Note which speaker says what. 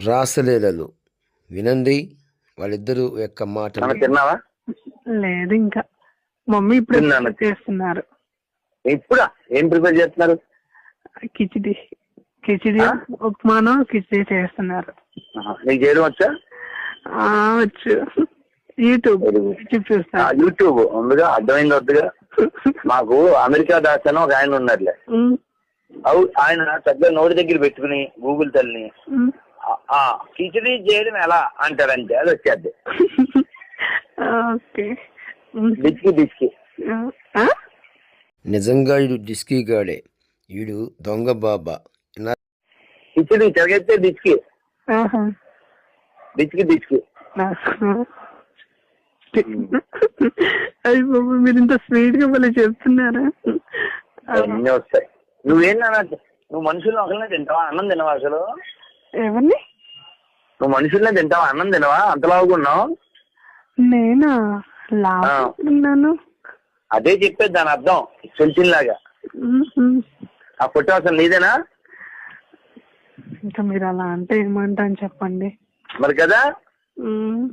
Speaker 1: రాసలీలలు వినండి వాళ్ళిద్దరు యొక్క మాటలు.
Speaker 2: తిన్నావా?
Speaker 3: లేదు ఇంకా మమ్మీ ఇప్పుడు చేస్తున్నారు.
Speaker 2: ఇప్పుడా ఏం ప్రిపేర్ చేస్తున్నారు?
Speaker 3: కిచిడి ఉప్మాను కిచిడి చేస్తున్నారు.
Speaker 2: నీకు చేయడం వచ్చా?
Speaker 3: వచ్చు. యూట్యూబ్ చూస్తా.
Speaker 2: యూట్యూబ్ ఉందిగా, అర్థమైంది వద్దుగా. మాకు అమెరికా దాస్ అని ఒక ఆయన ఉన్నారులే, ఆయన చక్కగా నోటి దగ్గర పెట్టుకుని గూగుల్ తల్లిని కిచిడి చేయడం ఎలా అంటారంటే అది వచ్చేది. డిస్కి
Speaker 1: నిజంగా వీడు డిస్కీ గాడే, వీడు దొంగ బాబా.
Speaker 2: కిచిడి చెరగైతే డిస్కి
Speaker 3: అయ్యి బాబు మీరు ఇంత స్వీట్ గా మళ్ళీ చెప్తున్నారా?
Speaker 2: అన్నీ వస్తాయి. నువ్వేనా? నువ్వు మనుషులను ఒకరినే తింటావా? అన్నం తినవా అసలు?
Speaker 3: ఎవరిని?
Speaker 2: నువ్వు మనుషులనే తింటావా? అన్నం తినవా? అంతలాగున్నావు.
Speaker 3: నేనా లాను?
Speaker 2: అదే చెప్పేది దాని అర్థం, లాగా. ఆ ఫోటో అసలు నీదేనా?
Speaker 3: ఇంకా మీరు అలా అంటే ఏమంటాను చెప్పండి
Speaker 2: మరి కదా.